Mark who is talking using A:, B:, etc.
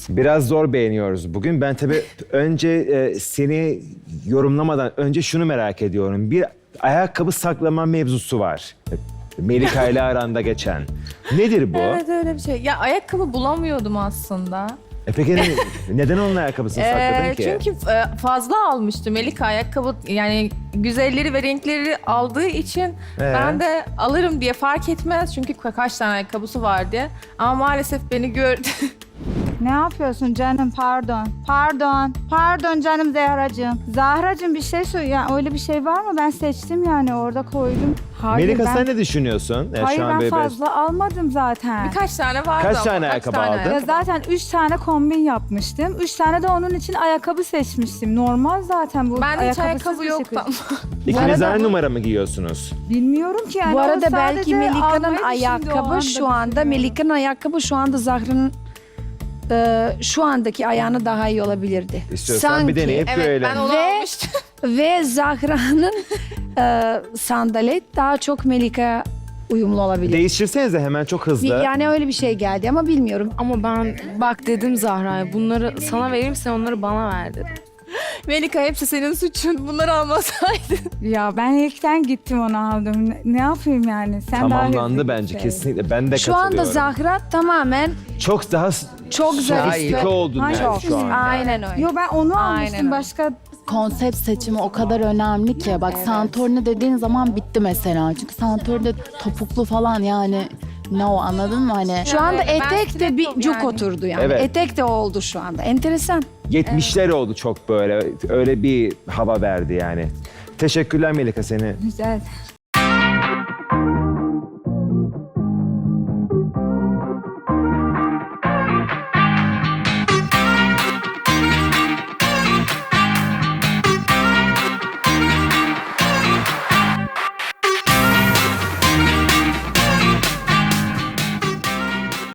A: Biraz zor beğeniyoruz bugün. Ben tabii önce seni yorumlamadan önce şunu merak ediyorum. Bir ayakkabı saklama mevzusu var. Melika ile aranda geçen. Nedir bu?
B: Evet öyle bir şey. Ya ayakkabı bulamıyordum aslında.
A: Peki neden onun ayakkabısını sakladın ki?
B: Çünkü fazla almıştım. Melika ayakkabı yani güzelleri ve renkleri aldığı için ben de alırım diye fark etmez. Çünkü kaç tane ayakkabısı var diye. Ama maalesef beni gördü.
C: Ne yapıyorsun canım? Pardon. Pardon. Pardon canım Zahracığım. Zahracığım bir şey söyle. Ya öyle bir şey var mı? Ben seçtim yani orada koydum. Hayır,
A: Melika sen ne düşünüyorsun?
C: Hayır
A: şu an
C: ben
A: böyle
C: fazla almadım zaten.
B: Birkaç tane vardı
A: Kaç
B: ama.
A: tane ayakkabı aldın?
C: Ya zaten 3 tane kombin yapmıştım. 3 tane de onun için ayakkabı seçmiştim. Normal zaten bu.
B: Ben de hiç
C: ayakkabısız
B: ayakkabı
C: bir
B: yoktu
C: şey.
B: ama.
A: İkiniz aynı numara mı giyiyorsunuz?
C: Bilmiyorum ki yani.
D: Bu
C: o
D: arada
C: sadece
D: belki Melika'nın
C: almayı düşündü o
D: ayakkabı
C: anda
D: şu anda,
C: düşünüyorum.
D: Melika'nın ayakkabı şu anda Zahra'nın şu andaki ayağına daha iyi olabilirdi.
A: İstiyorsan bir deneyip
B: Evet
A: görelim.
B: ben onu
D: Ve-
B: almıştım.
D: Ve Zahra'nın sandalet daha çok Melika uyumlu olabilir.
A: Değiştirsenize hemen çok hızlı.
D: Yani öyle bir şey geldi ama bilmiyorum.
E: Ama ben bak dedim Zahra'ya bunları sana vereyim sen onları bana ver dedim.
B: Melika hepsi senin suçun. Bunları almasaydın.
C: Ya ben ilkten gittim onu aldım. Ne yapayım yani? Sen daha
A: Tamamlandı
C: hızlı
A: bence
C: git.
A: kesinlikle. Ben de
D: Şu anda
A: katılıyorum.
D: Zahra tamamen
A: Çok daha
D: çok zarif.
A: sofistike oldun
C: Hayır.
A: yani
C: Çok.
A: şu an.
D: Aynen öyle.
C: Yo ben onu
D: Aynen
C: almıştım.
D: öyle.
C: Başka
F: Konsept seçimi o kadar önemli ki. Bak Santorini dediğin zaman bitti mesela. Çünkü Santorini'de topuklu falan yani ne o anladın mı hani?
D: Şu anda
B: Evet, ben
D: etek de bir
B: stiletto
D: cuk
B: yani.
D: oturdu yani.
A: Evet.
D: Etek de oldu şu anda. Enteresan.
A: 70'ler oldu çok böyle. Öyle bir hava verdi yani. Teşekkürler Melika seni.
C: güzel.